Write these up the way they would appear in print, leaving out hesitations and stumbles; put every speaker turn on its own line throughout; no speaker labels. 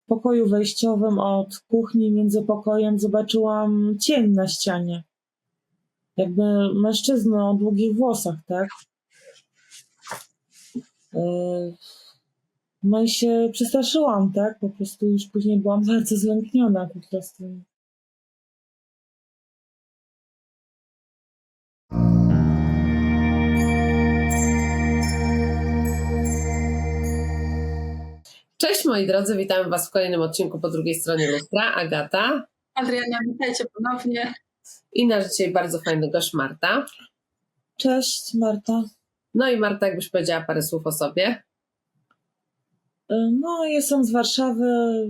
pokoju wejściowym od kuchni między pokojem zobaczyłam cień na ścianie. Jakby mężczyznę o długich włosach, tak? No i się przestraszyłam, tak? Po prostu już później byłam bardzo zlękniona po prostu.
Cześć moi drodzy, witamy Was w kolejnym odcinku po drugiej stronie lustra. Agata.
Adriana, witajcie ponownie.
I nasz dzisiaj bardzo fajny gość Marta.
Cześć, Marta.
No i Marta, jakbyś powiedziała parę słów o sobie?
No, jestem z Warszawy.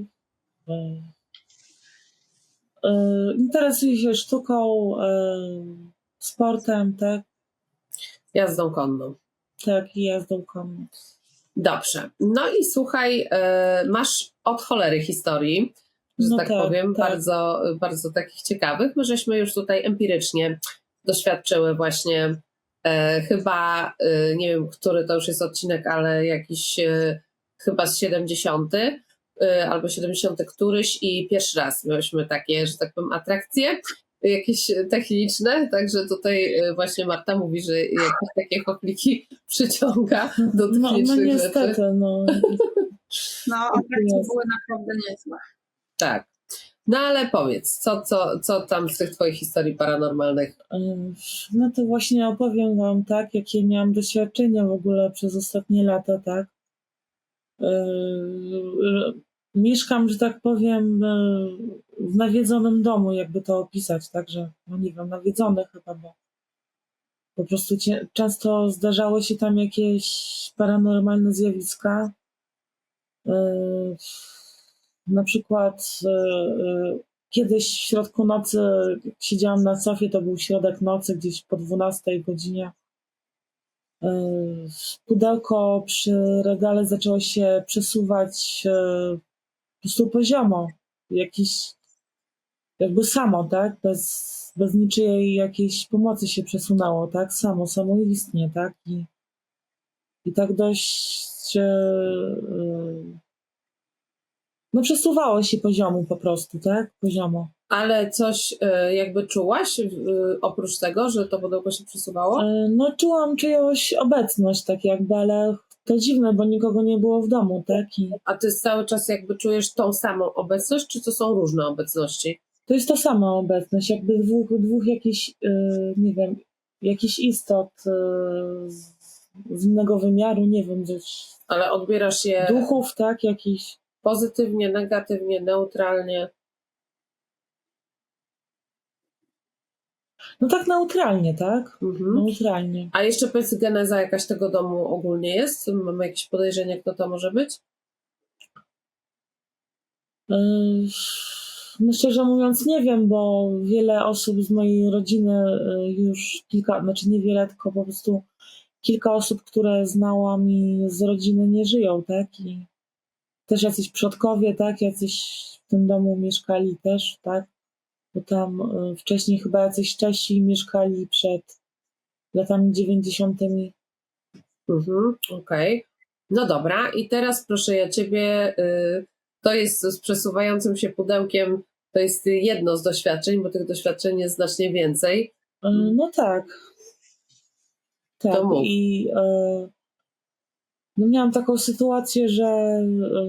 Interesuję się sztuką, sportem, tak?
Jazdą konną.
Tak, i jazdą konną.
Dobrze. No i słuchaj, masz od cholery historii, że tak powiem,
tak.
bardzo, bardzo takich ciekawych. My żeśmy już tutaj empirycznie doświadczyły właśnie chyba, nie wiem, który to już jest odcinek, ale jakiś chyba z 70. Albo 70 któryś i pierwszy raz miałyśmy takie, że tak powiem, atrakcje jakieś techniczne, także tutaj właśnie Marta mówi, że jakieś takie chochliki przyciąga do technicznych
no niestety,
rzeczy.
No, atrakcje były naprawdę niezłe.
Tak. No ale powiedz, co tam z tych twoich historii paranormalnych?
No to właśnie opowiem wam, tak, jakie miałam doświadczenia w ogóle przez ostatnie lata, tak. Mieszkam, że tak powiem, w nawiedzonym domu, jakby to opisać, także, no nie wiem, nawiedzony chyba, bo po prostu często zdarzały się tam jakieś paranormalne zjawiska. Na przykład kiedyś w środku nocy, jak siedziałam na sofie, to był środek nocy, gdzieś po 12 godzinie. Pudełko przy regale zaczęło się przesuwać po prostu poziomo, jakiś jakby samo, tak? Bez niczyjej jakiejś pomocy się przesunęło, tak? Samoistnie, tak? I tak dość no przesuwało się poziomu po prostu, tak? Poziomo.
Ale coś jakby czułaś oprócz tego, że to pudełko się przesuwało?
No czułam czyjąś obecność tak jakby, ale to dziwne, bo nikogo nie było w domu, tak?
A ty cały czas jakby czujesz tą samą obecność, czy to są różne obecności?
To jest ta sama obecność, jakby dwóch jakichś, nie wiem, jakichś istot z innego wymiaru, nie wiem, gdzieś.
Ale odbierasz je...
Duchów, tak, jakiś.
Pozytywnie, negatywnie, neutralnie?
No tak neutralnie, tak?
Mhm.
Neutralnie.
A jeszcze powiedz, geneza jakaś tego domu ogólnie jest? Mamy jakieś podejrzenie, kto to może być?
No szczerze mówiąc nie wiem, bo wiele osób z mojej rodziny już niewiele, tylko po prostu kilka osób, które znałam i z rodziny nie żyją, tak? I też jacyś przodkowie, tak? Jacyś w tym domu mieszkali też, tak? Bo tam wcześniej chyba jacyś Czesi mieszkali przed latami 90.
Okej. No dobra, i teraz proszę ja ciebie, to jest z przesuwającym się pudełkiem, to jest jedno z doświadczeń, bo tych doświadczeń jest znacznie więcej.
No tak. Tak.
To mów.
I no miałam taką sytuację, że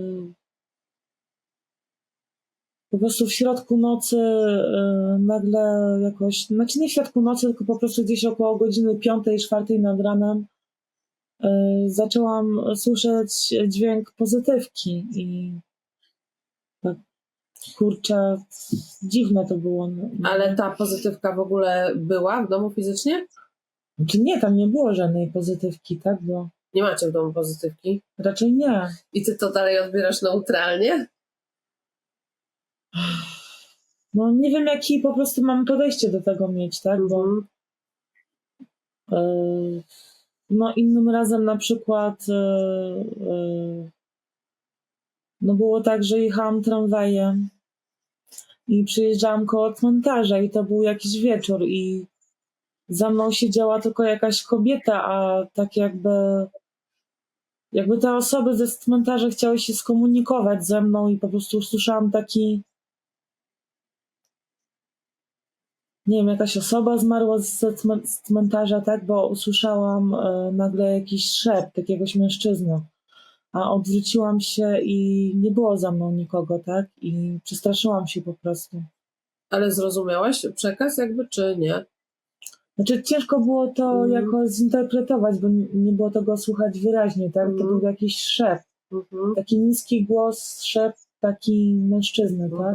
po prostu w środku nocy nagle jakoś, znaczy nie w środku nocy, tylko po prostu gdzieś około godziny 5-4 nad ranem zaczęłam słyszeć dźwięk pozytywki i tak, kurczę, dziwne to było.
Ale ta pozytywka w ogóle była w domu fizycznie?
Znaczy nie, tam nie było żadnej pozytywki, tak? Bo
Nie macie w domu pozytywki?
raczej nie.
I ty to dalej odbierasz neutralnie?
No nie wiem, jaki po prostu mam podejście do tego mieć, tak? Bo no innym razem na przykład no było tak, że jechałam tramwajem i przyjeżdżałam koło cmentarza i to był jakiś wieczór i za mną siedziała tylko jakaś kobieta, a tak jakby jakby te osoby ze cmentarza chciały się skomunikować ze mną i po prostu usłyszałam taki, nie wiem, jakaś osoba zmarła z cmentarza, tak, bo usłyszałam nagle jakiś szept jakiegoś mężczyzny, a odwróciłam się i nie było za mną nikogo, tak, i przestraszyłam się po prostu.
Ale zrozumiałaś przekaz jakby, czy nie?
Znaczy ciężko było to jakoś zinterpretować, bo nie było tego słychać wyraźnie, tak, to był jakiś szept, taki niski głos, szept taki mężczyzny, tak.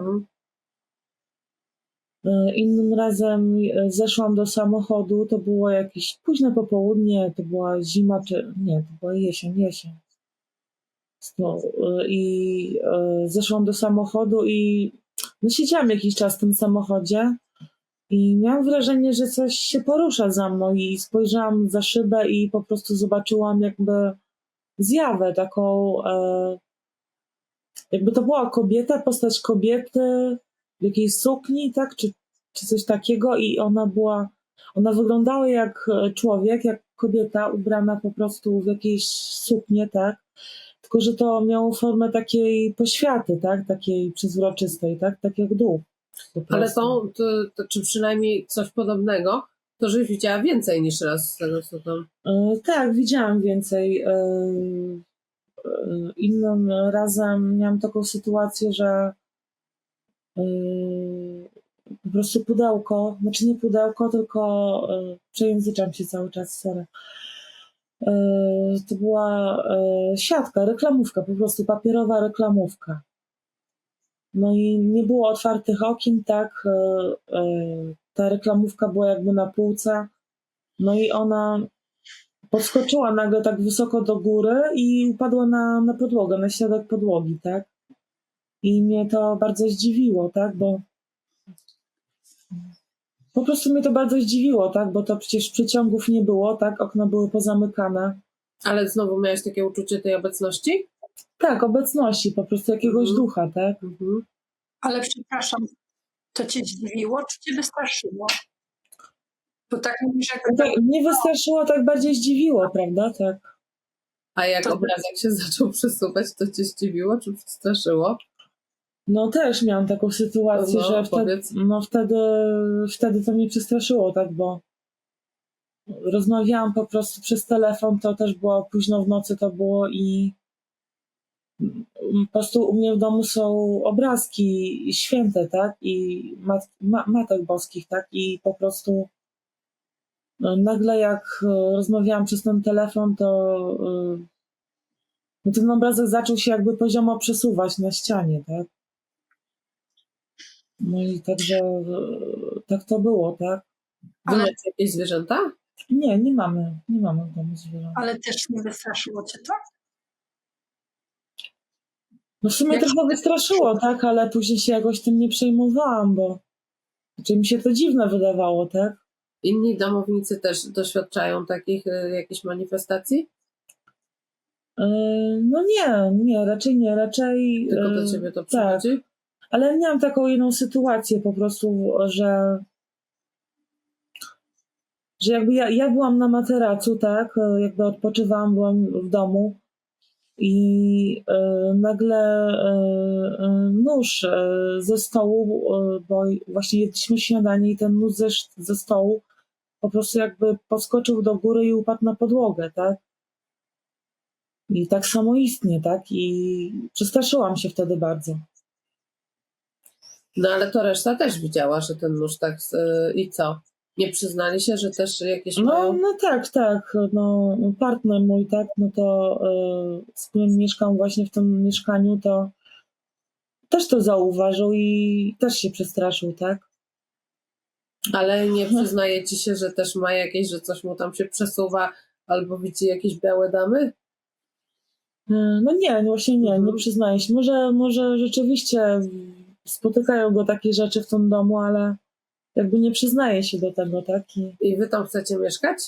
Innym razem zeszłam do samochodu, to było jakieś późne popołudnie, to była zima, czy nie, to była jesień. No, i zeszłam do samochodu i no, siedziałam jakiś czas w tym samochodzie i miałam wrażenie, że coś się porusza za mną i spojrzałam za szybę i po prostu zobaczyłam jakby zjawę taką, jakby to była kobieta, postać kobiety w jakiejś sukni, tak, czy coś takiego i ona wyglądała jak człowiek, jak kobieta ubrana po prostu w jakieś suknię, tak, tylko że to miało formę takiej poświaty, tak, takiej przezroczystej, tak jak duch.
Ale to czy przynajmniej coś podobnego, to żeś widziała więcej niż raz z tego, co tam...
Tak, widziałam więcej. Innym razem miałam taką sytuację, że po prostu pudełko, znaczy nie pudełko, tylko przejęzyczam się cały czas, sorry. To była siatka, reklamówka, po prostu papierowa reklamówka. No i nie było otwartych okien, tak. Ta reklamówka była jakby na półce. No i ona podskoczyła nagle tak wysoko do góry i upadła na podłogę, na środek podłogi, tak. I mnie to bardzo zdziwiło, tak, bo po prostu mnie to bardzo zdziwiło, tak, bo to przecież przyciągów nie było, tak, okna były pozamykane.
Ale znowu miałeś takie uczucie tej obecności?
Tak, obecności po prostu jakiegoś ducha, tak.
Ale przepraszam, to cię zdziwiło, czy cię wystraszyło? Bo tak mówisz, jakby
Tak, mnie wystraszyło, tak bardziej zdziwiło, prawda, tak.
A jak
To-
obrazek się zaczął przesuwać, to cię zdziwiło czy przestraszyło?
No też miałam taką sytuację,
No,
że
powiedz.
wtedy to mnie przestraszyło, tak, bo rozmawiałam po prostu przez telefon, to też było późno w nocy, to było i po prostu u mnie w domu są obrazki święte, tak, i matek boskich, tak, i po prostu nagle jak rozmawiałam przez ten telefon, to ten obrazek zaczął się jakby poziomo przesuwać na ścianie, tak. No i także tak to było, tak.
Wy macie jakieś zwierzęta?
Nie mamy w domu zwierząt.
Ale też nie wystraszyło cię to?
No w sumie
Jak
trochę
się
wystraszyło, tak, ale później się jakoś tym nie przejmowałam, bo znaczy mi się to dziwne wydawało, tak.
Inni domownicy też doświadczają takich jakichś manifestacji?
No nie, raczej nie, raczej...
Tylko do ciebie to
tak,
przychodzi?
ale miałam taką jedną sytuację po prostu, że jakby ja byłam na materacu, tak, jakby odpoczywałam, byłam w domu i nagle nóż ze stołu, bo właśnie jedliśmy śniadanie i ten nóż ze stołu po prostu jakby podskoczył do góry i upadł na podłogę, tak. I tak samoistnie, tak, i przestraszyłam się wtedy bardzo.
No ale to reszta też widziała, że ten nóż tak... I co? Nie przyznali się, że też jakieś mają...
No tak, no partner mój, tak, no to z którym mieszkam właśnie w tym mieszkaniu, to też to zauważył i też się przestraszył, tak.
Ale nie przyznaje ci się, że też ma jakieś, że coś mu tam się przesuwa albo widzi jakieś białe damy?
No nie, właśnie nie przyznaję się. Może rzeczywiście spotykają go takie rzeczy w tym domu, ale jakby nie przyznaje się do tego, tak.
I wy tam chcecie mieszkać?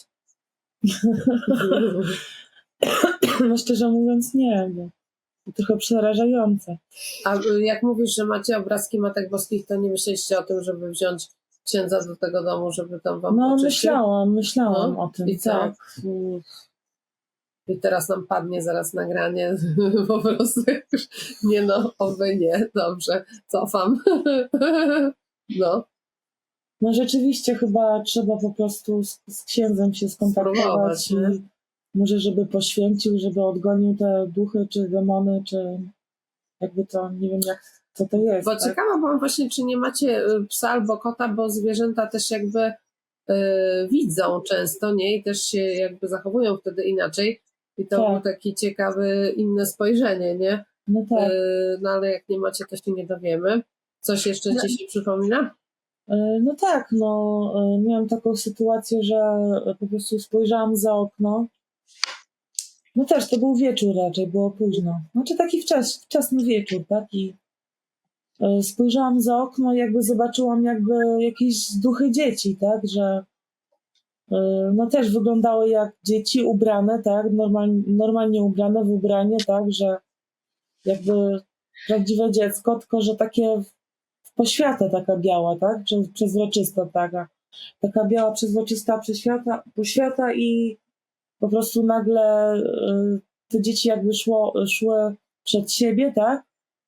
No szczerze mówiąc nie, bo to trochę przerażające.
A jak mówisz, że macie obrazki Matek Boskich, to nie myśleliście o tym, żeby wziąć księdza do tego domu, żeby tam wam
No
poczyścił?
myślałam
No,
o tym,
i co?
tak.
I teraz nam padnie zaraz nagranie, po prostu już, nie no, oby nie, dobrze, cofam. No,
No rzeczywiście chyba trzeba po prostu z księdzem się skontaktować
spróbować,
i
nie?
może żeby poświęcił, żeby odgonił te duchy czy demony, czy jakby to, nie wiem co to jest.
Bo
tak?
ciekawa byłam właśnie, czy nie macie psa albo kota, bo zwierzęta też jakby widzą często, nie? I też się jakby zachowują wtedy inaczej. I to
Tak.
było takie ciekawe, inne spojrzenie, nie?
No tak.
No ale jak nie macie, to się nie dowiemy. Coś jeszcze ci się przypomina?
No tak, miałam taką sytuację, że po prostu spojrzałam za okno. No też to był wieczór raczej, było późno. Znaczy taki wczesny wieczór, tak? I spojrzałam za okno i jakby zobaczyłam jakby jakieś duchy dzieci, tak? Że no też wyglądały jak dzieci ubrane, tak? Normalnie ubrane w ubranie, tak? Że jakby prawdziwe dziecko, tylko że takie poświata taka biała, tak? Przezroczysta taka biała, przezroczysta poświata i po prostu nagle te dzieci jakby szły przed siebie, tak?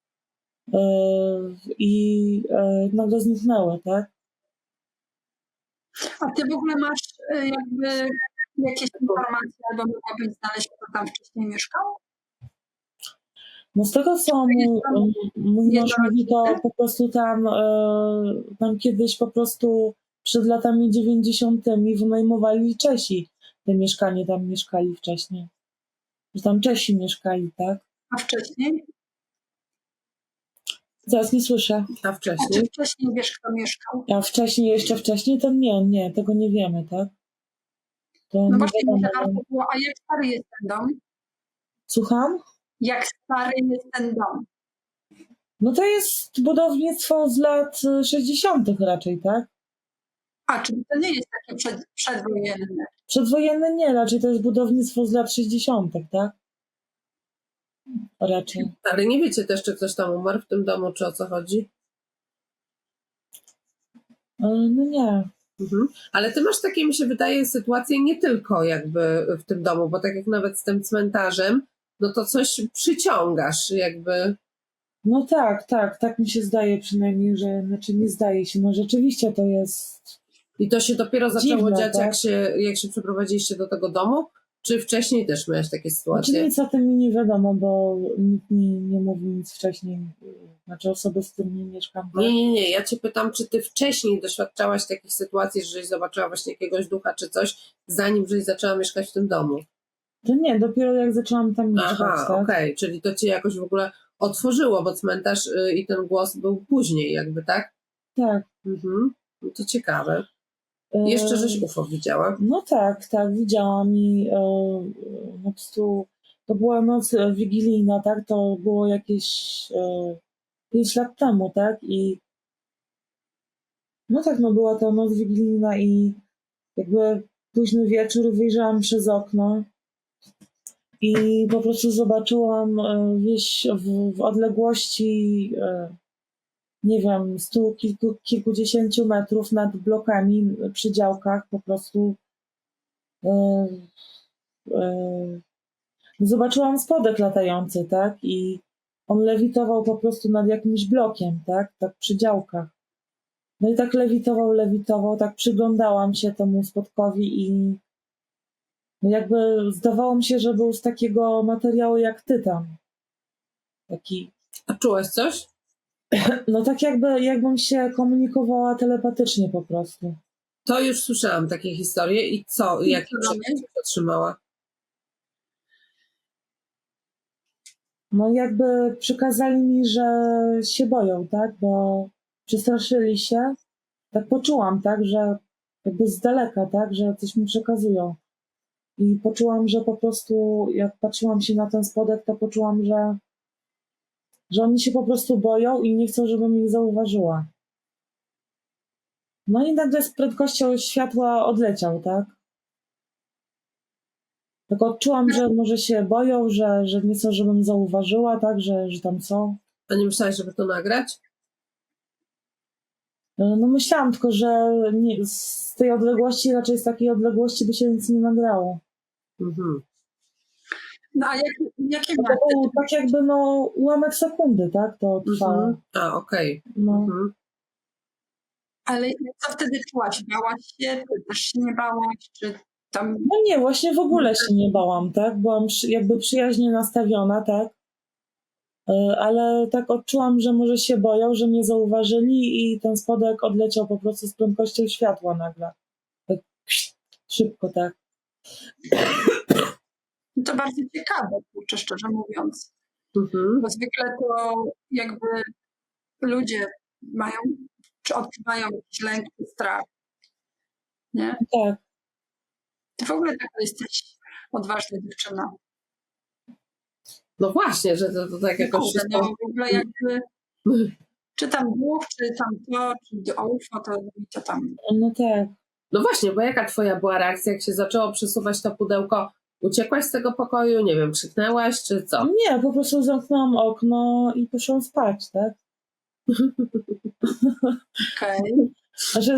I nagle zniknęły, tak?
A ty w ogóle masz jakby jakieś informacje, albo mogłabyś znaleźć, kto tam wcześniej mieszkał?
No z tego, co mój mąż mówi, to po prostu tam kiedyś po prostu przed latami 90. wynajmowali Czesi te mieszkanie, tam mieszkali wcześniej. Że tam Czesi mieszkali, tak?
A wcześniej?
Zaraz nie słyszę.
A
A czy
wcześniej?
wcześniej wiesz, kto mieszkał?
A jeszcze wcześniej to nie, tego nie wiemy, tak? To
No
nie
właśnie,
wiadomo.
może warto było, a jak stary jest ten dom?
Słucham?
Jak stary jest ten dom?
No to jest budownictwo z lat 60. raczej, tak?
A, czyli to nie jest takie przedwojenne.
Przedwojenne nie, raczej to jest budownictwo z lat 60., tak? Raczej.
Ale nie wiecie też, czy ktoś tam umarł w tym domu, czy o co chodzi?
No nie.
Mhm. Ale ty masz takie, mi się wydaje, sytuacje nie tylko jakby w tym domu, bo tak jak nawet z tym cmentarzem, no to coś przyciągasz jakby.
No tak mi się zdaje przynajmniej, że, znaczy nie zdaje się, no rzeczywiście to jest
I to się dopiero zaczęło
dziwne,
dziać,
tak?
jak się przeprowadziliście do tego domu? Czy wcześniej też miałeś takie
Znaczy
sytuacje?
nic o tym mi nie wiadomo, bo nikt mi nie mówił nic wcześniej, znaczy osoby, z którymi mieszkam. Tak?
Nie, ja cię pytam, czy ty wcześniej doświadczałaś takich sytuacji, żeś zobaczyła właśnie jakiegoś ducha czy coś, zanim żeś zaczęła mieszkać w tym domu?
To nie, dopiero jak zaczęłam tam mieszkać,
Aha,
tak?
okej, czyli to cię jakoś w ogóle otworzyło, bo cmentarz i ten głos był później jakby, tak?
Tak.
Mhm. No to ciekawe. Jeszcze żeś UFO widziała?
No tak, widziałam i po prostu to była noc wigilijna, tak? To było jakieś 5 lat temu, tak? I no tak, no była to noc wigilijna i jakby późny wieczór wyjrzałam przez okno i po prostu zobaczyłam wieś w odległości, nie wiem, kilkudziesięciu metrów nad blokami przy działkach po prostu zobaczyłam spodek latający, tak? I on lewitował po prostu nad jakimś blokiem, tak? Tak przy działkach. No i tak lewitował, tak przyglądałam się temu spodkowi i no jakby zdawało mi się, że był z takiego materiału jak tytan. Taki,
A czułaś coś?
no tak jakbym się komunikowała telepatycznie po prostu.
To już słyszałam takie historie i co? Jakie przekaz otrzymała?
No jakby przykazali mi, że się boją, tak? Bo przestraszyli się. Tak poczułam, tak? Że jakby z daleka, tak? Że coś mi przekazują. I poczułam, że po prostu jak patrzyłam się na ten spodek, to poczułam, że oni się po prostu boją i nie chcą, żebym ich zauważyła. No i nagle z prędkością światła odleciał, tak? Tak odczułam, że może się boją, że nie chcą, żebym zauważyła, tak? Że tam są.
A nie myślałaś, żeby to nagrać?
No myślałam tylko, że z tej odległości, raczej z takiej odległości by się nic nie nagrało.
Mhm.
No a jakie
To
miasto?
był tak jakby ułamek sekundy, tak? To trwało.
Mhm. A, okej.
No.
Mhm.
Ale co wtedy czułaś? Bałaś się? Czy też się nie bałaś? Czy tam...
No nie, właśnie w ogóle się nie bałam, tak? Byłam jakby przyjaźnie nastawiona, tak? Ale tak odczułam, że może się boją, że mnie zauważyli i ten spodek odleciał po prostu z prędkością światła nagle. Tak szybko, tak.
To bardzo ciekawe, kurczę, szczerze mówiąc.
Mhm.
Bo zwykle to jakby ludzie mają, czy odczuwają jakiś lęk, czy strach, nie?
Tak.
Ty w ogóle taka jesteś odważna dziewczyna.
No właśnie, że to tak jakoś
Kurde,
wszystko...
no w ogóle jakby, czy tam duch, czy tam to, czy do UFO, to tam.
No tak.
No właśnie, bo jaka twoja była reakcja, jak się zaczęło przesuwać to pudełko? Uciekłaś z tego pokoju? Nie wiem, krzyknęłaś, czy co?
Nie, po prostu zamknęłam okno i poszłam spać, tak?
Okej.
Znaczy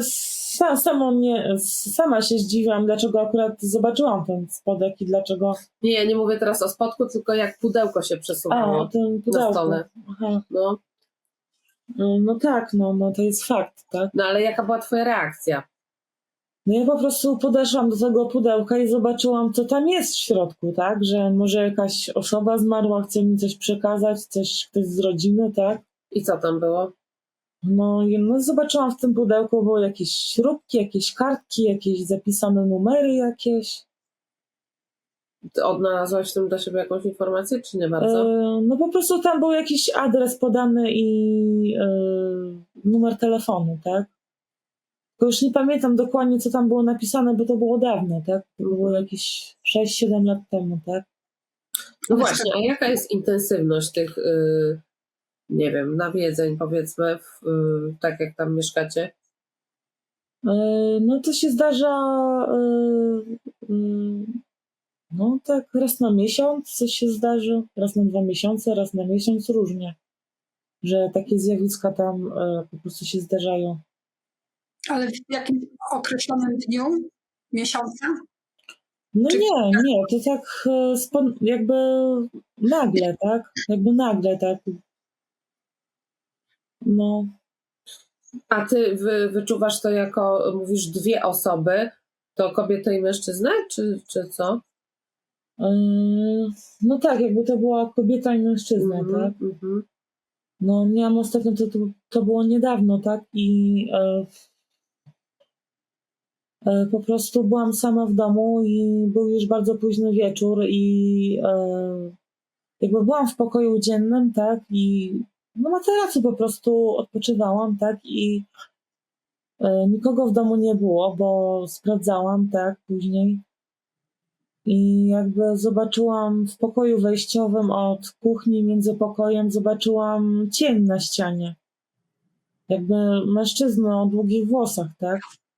sama się zdziwiłam, dlaczego akurat zobaczyłam ten spodek i dlaczego...
Nie, ja nie mówię teraz o spodku, tylko jak pudełko się
A,
przesuwało
ten
na
pudełko.
stole.
Aha.
No.
No tak, no to jest fakt, tak?
No ale jaka była twoja reakcja?
No ja po prostu podeszłam do tego pudełka i zobaczyłam, co tam jest w środku, tak? Że może jakaś osoba zmarła, chce mi coś przekazać, ktoś z rodziny, tak?
I co tam było?
No zobaczyłam w tym pudełku, były jakieś śrubki, jakieś kartki, jakieś zapisane numery jakieś.
Ty odnalazłaś w tym dla siebie jakąś informację, czy nie bardzo?
No po prostu tam był jakiś adres podany i numer telefonu, tak? Tylko już nie pamiętam dokładnie, co tam było napisane, bo to było dawno, tak? To było jakieś 6-7 lat temu, tak?
No właśnie, a jaka jest intensywność tych, nie wiem, nawiedzeń, powiedzmy, tak jak tam mieszkacie?
No to się zdarza no tak raz na miesiąc coś się zdarzy, raz na 2 miesiące, raz na miesiąc, różnie. Że takie zjawiska tam po prostu się zdarzają.
Ale w jakimś określonym dniu, miesiąca?
No
Czy-
nie, to tak jakby nagle, tak? Jakby nagle, tak? No.
A ty wyczuwasz to jako, mówisz, dwie osoby, to kobietę i mężczyznę, czy co?
No tak, jakby to była kobieta i mężczyzna, tak?
Mhm.
No miałam ostatnio, to było niedawno, tak? I po prostu byłam sama w domu i był już bardzo późny wieczór i jakby byłam w pokoju dziennym, tak? I na materacu po prostu odpoczywałam, tak? I nikogo w domu nie było, bo sprawdzałam, tak? Później. I jakby zobaczyłam w pokoju wejściowym od kuchni między pokojem, zobaczyłam cień na ścianie. Jakby mężczyznę o długich włosach, tak?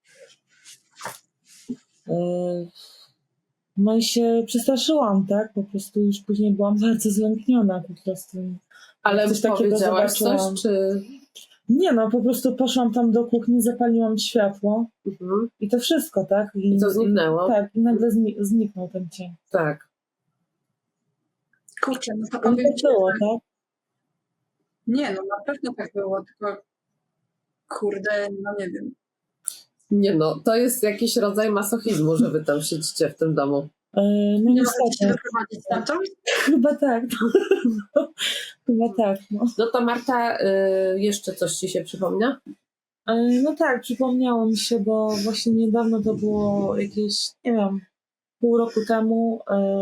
No i się przestraszyłam, tak? Po prostu już później byłam bardzo zlękniona po prostu.
Ale
Coś takiego
powiedziałaś
zobaczyłam.
coś, czy...
Nie no, po prostu poszłam tam do kuchni, zapaliłam światło i to wszystko, tak?
I to zniknęło?
Tak, i nagle zniknął ten cień.
Tak.
Kurczę, no to
I
powiem
tak
ci,
było,
że...
tak?
Nie, no na pewno tak było, tylko kurde, no nie wiem.
Nie no, to jest jakiś rodzaj masochizmu, że wy tam siedzicie w tym domu.
No
Nie możecie się
niestety.
doprowadzić stamtąd?
Chyba tak. Chyba tak, no.
No to Marta, jeszcze coś ci się przypomina?
No tak, przypomniało mi się, bo właśnie niedawno to było jakieś, nie wiem, pół roku temu.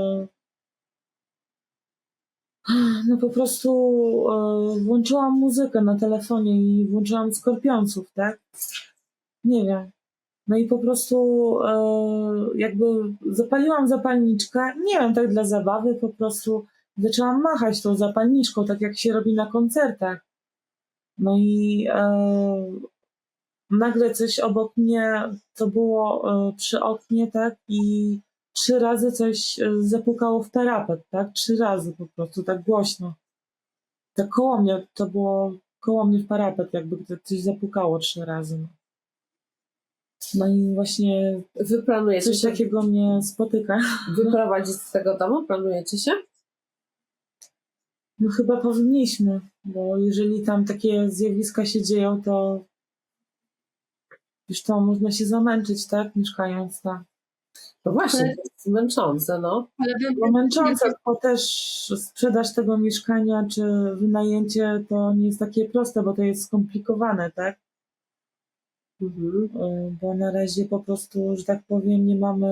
No po prostu włączyłam muzykę na telefonie i włączyłam Skorpionców, tak? Nie wiem. No i po prostu jakby zapaliłam zapalniczkę, nie wiem, tak dla zabawy, po prostu zaczęłam machać tą zapalniczką, tak jak się robi na koncertach. No i nagle coś obok mnie, to było przy oknie, tak? I 3 razy coś zapukało w parapet, tak? 3 razy po prostu, tak głośno. Tak koło mnie, to było koło mnie w parapet, jakby coś zapukało 3 razy. No. No i właśnie
Wy planujecie
coś
się
takiego mnie spotyka.
wyprowadzić z tego domu? Planujecie się?
No chyba powinniśmy, bo jeżeli tam takie zjawiska się dzieją, to już to można się zamęczyć, tak, mieszkając tam.
No właśnie, to jest męczące, no.
Ale wy,
Bo męczące, bo też sprzedaż tego mieszkania czy wynajęcie to nie jest takie proste, bo to jest skomplikowane, tak?
Mhm.
Bo na razie po prostu, że tak powiem,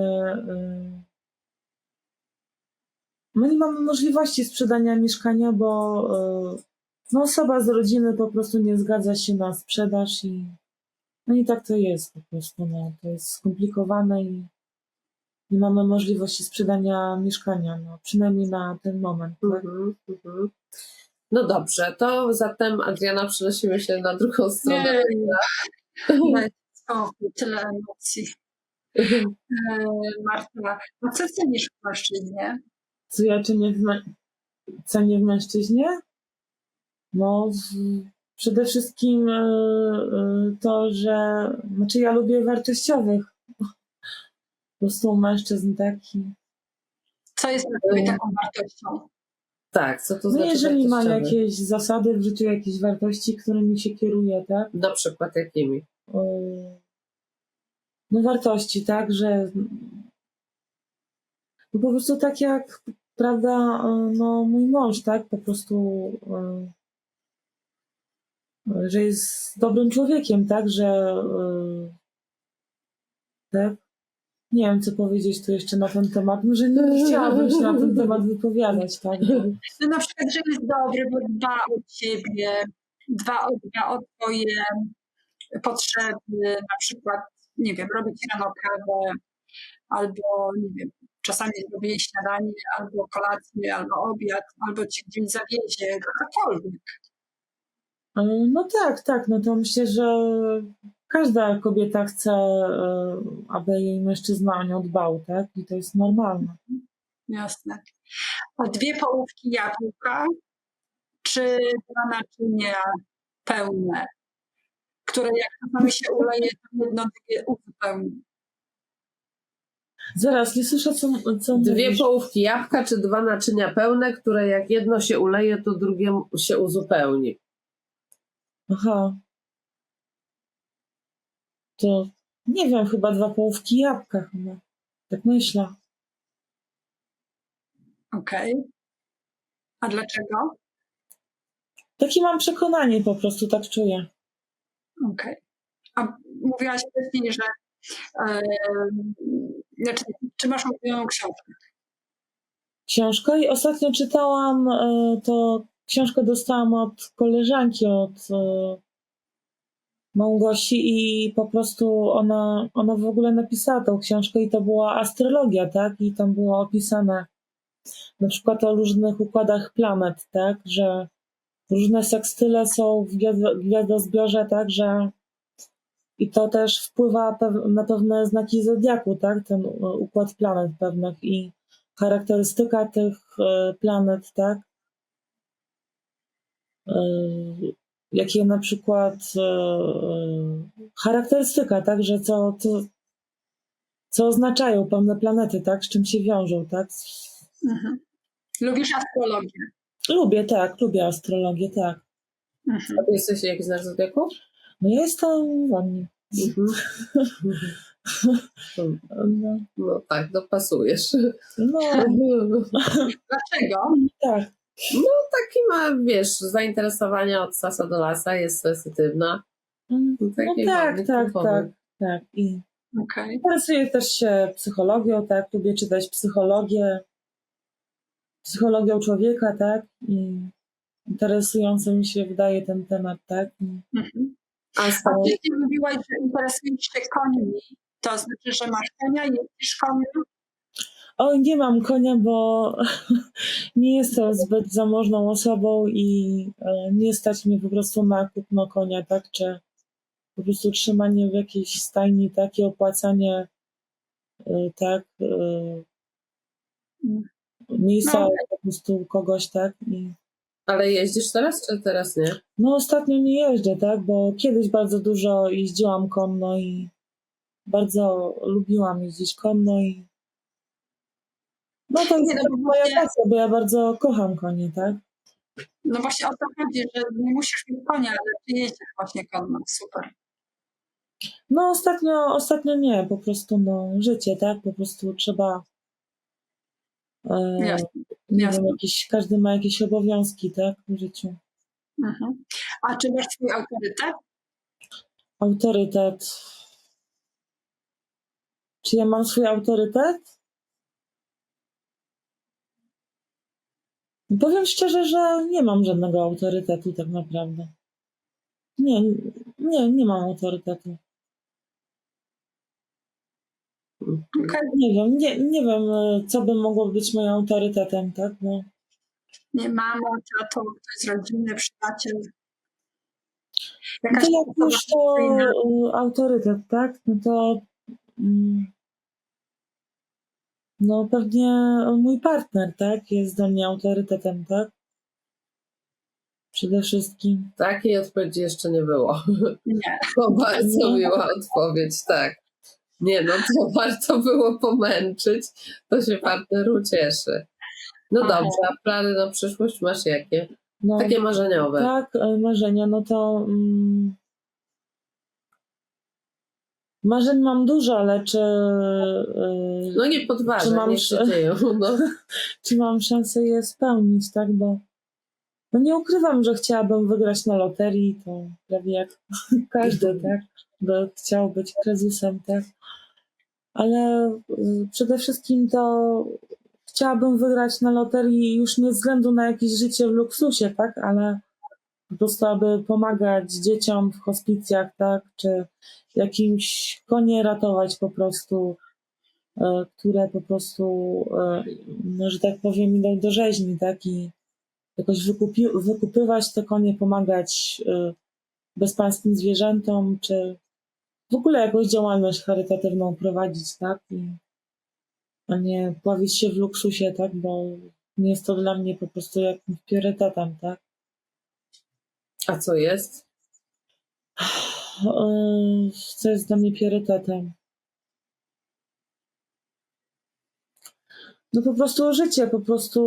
nie mamy możliwości sprzedania mieszkania, bo no, osoba z rodziny po prostu nie zgadza się na sprzedaż i no i tak to jest po prostu. No, to jest skomplikowane i nie mamy możliwości sprzedania mieszkania, no, przynajmniej na ten moment. Tak?
Mhm. Mhm. No dobrze, to zatem Adriana przenosimy się na drugą stronę.
dajcie spokój, tyle emocji. Marta, a co cenisz w mężczyźnie?
Co ja cenię w mężczyźnie? No, przede wszystkim to, że znaczy ja lubię wartościowych po prostu mężczyzn taki.
Co jest dla ciebie taką wartością?
Tak, co to
No
znaczy
jeżeli ma
wartościowy?
jakieś zasady w życiu, jakieś wartości, którymi się kieruje, tak?
Na przykład jakimi?
No wartości, tak, że no po prostu tak jak, prawda, no mój mąż, tak, po prostu, że jest dobrym człowiekiem, tak, że tak, nie wiem, co powiedzieć tu jeszcze na ten temat. Może nie chciałabym się na ten temat wypowiadać, tak?
No na przykład, że jest dobry, bo dba o ciebie, dba o twoje potrzeby, na przykład, nie wiem, robi ci rano kawę, albo, nie wiem, czasami zrobi jej śniadanie, albo kolację, albo obiad, albo ci gdzieś zawiezie, cokolwiek.
No tak, tak, no to myślę, że każda kobieta chce, aby jej mężczyzna o nią dbał, tak? I to jest normalne.
Jasne. A 2 połówki jabłka, czy 2 naczynia pełne, które jak czasami się uleje, to jedno drugie uzupełni.
Zaraz, nie słyszę, co
2
mówisz.
połówki jabłka, czy 2 naczynia pełne, które jak jedno się uleje, to drugie się uzupełni.
Aha. To nie wiem, chyba 2 połówki jabłka chyba. Tak myślę.
Okej. A dlaczego?
Takie mam przekonanie po prostu, tak czuję.
Okej. A mówiłaś wcześniej, że znaczy, czy masz ulubioną książkę?
Książkę i ostatnio czytałam, to książkę dostałam od koleżanki, od Małgosi i po prostu ona w ogóle napisała tą książkę i to była astrologia, tak? I tam było opisane na przykład o różnych układach planet, tak? Że różne sekstyle są w gwiazdozbiorze, tak? Że i to też wpływa na pewne znaki zodiaku, tak? Ten układ planet pewnych i charakterystyka tych planet, tak? Jakie na przykład charakterystyka, tak? Że co oznaczają pewne planety, tak? Z czym się wiążą, tak?
Mhm. Lubisz astrologię?
Lubię, tak, lubię astrologię, tak.
Mhm.
A ty jesteś jakiś znak zodiaku?
No ja jestem wodnik. No,
No tak, dopasujesz.
no
Dlaczego?
tak.
Taki ma, wiesz, zainteresowania od sasa do lasa, jest sensytywna.
No
Taki
tak,
wodnik
tak,
typowy.
tak, tak. I
Okej.
interesuję też się psychologią, tak. Lubię czytać psychologią człowieka, tak. I interesujący mi się wydaje ten temat, tak.
Mhm.
A
A
stał
wcześniej mówiłaś, że interesujesz się końmi. To znaczy, że masz konia, jeździsz koniem?
Oj, nie mam konia, bo nie jestem zbyt zamożną osobą i nie stać mnie po prostu na kupno konia, tak? Czy po prostu trzymanie w jakiejś stajni, tak? I opłacanie, tak? Miejsca
No,
po prostu kogoś, tak?
Ale jeździsz teraz, czy teraz nie?
No ostatnio nie jeżdżę, tak? Bo kiedyś bardzo dużo jeździłam konno i bardzo lubiłam jeździć konno i no to jest
Nie, no
tak
bo
moja
właśnie,
pasja, bo ja bardzo kocham konie, tak?
no właśnie o to chodzi, że nie musisz mieć konia, ale ty jeździsz właśnie konno. Super.
No ostatnio nie, po prostu no życie, tak? Po prostu trzeba,
Jasne,
nie wiem,
jasne.
każdy ma jakieś obowiązki, tak? W życiu.
Mhm. A czy masz swój autorytet?
Autorytet. Czy ja mam swój autorytet? Powiem szczerze, że nie mam żadnego autorytetu tak naprawdę. Nie mam autorytetu.
Okej.
Nie wiem, co by mogło być moim autorytetem, tak? No.
Nie mama, tato, ktoś z rodziny, przyjaciel.
No
Jakaś
to jak
osoba
już to
fikcyjna.
autorytet, tak? No to no pewnie mój partner, tak? Jest dla mnie autorytetem, tak? Przede wszystkim.
Takiej odpowiedzi jeszcze nie było.
Nie.
To bardzo
Nie?
miła odpowiedź, tak. Nie, no to warto było pomęczyć, to się partner ucieszy. No
Aha.
dobrze, a plany na przyszłość masz jakie?
No,
Takie marzeniowe.
tak, marzenia, no to marzeń mam dużo, ale czy
No nie
czy
podważaj,
mam,
niech się dzieją. No.
czy mam szansę je spełnić, tak? Bo no nie ukrywam, że chciałabym wygrać na loterii, to prawie jak każdy, tak? Bo chciał być prezesem, tak? Ale przede wszystkim to chciałabym wygrać na loterii już nie ze względu na jakieś życie w luksusie, tak? Ale po prostu, aby pomagać dzieciom w hospicjach, tak? Czy jakimś konie ratować po prostu, które po prostu, no, że tak powiem, idą do rzeźni, tak? I jakoś wykupywać te konie, pomagać bezpańskim zwierzętom, czy w ogóle jakąś działalność charytatywną prowadzić, tak? A nie pławić się w luksusie, tak? Bo nie jest to dla mnie po prostu jakimś priorytetem, tak?
A co jest?
Co jest dla mnie priorytetem? No po prostu życie, po prostu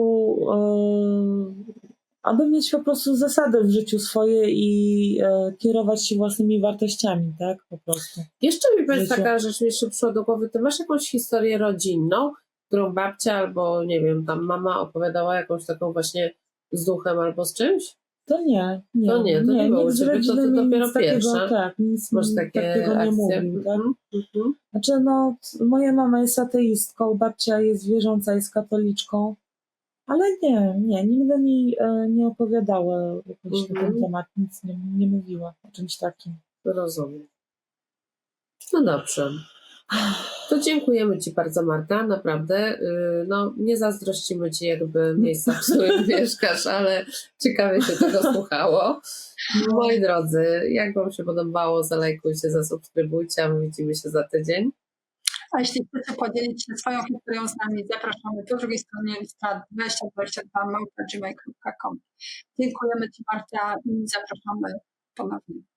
aby mieć po prostu zasady w życiu swoje i kierować się własnymi wartościami, tak? Po prostu.
Jeszcze mi powiedz
Życiu.
taka rzecz, mi jeszcze przyszła do głowy, ty masz jakąś historię rodzinną, którą babcia albo nie wiem, tam mama opowiadała jakąś taką właśnie z duchem albo z czymś?
To nie,
To nie było u
nikt z
ciebie, to
rodziny
ty
mi
dopiero
nic takiego,
pierwsza.
tak, nic
Masz
mi
takie
takiego nie
akcje?
mówił, tak?
Mhm.
Znaczy, no, moja mama jest ateistką, babcia jest wierząca, jest katoliczką, ale nigdy mi nie opowiadała jakoś na ten temat, nic nie mówiła o czymś takim.
Rozumiem. No dobrze. To dziękujemy Ci bardzo, Marta, naprawdę. No, nie zazdrościmy Ci jakby miejsca, w którym mieszkasz, ale ciekawie się tego słuchało. Moi drodzy, jak Wam się podobało, zalajkujcie, zasubskrybujcie, a my widzimy się za tydzień.
A jeśli chcecie podzielić się swoją historią z nami, zapraszamy po drugiej stronie lista 2022@gmail.com. Dziękujemy Ci, Marta, i zapraszamy ponownie.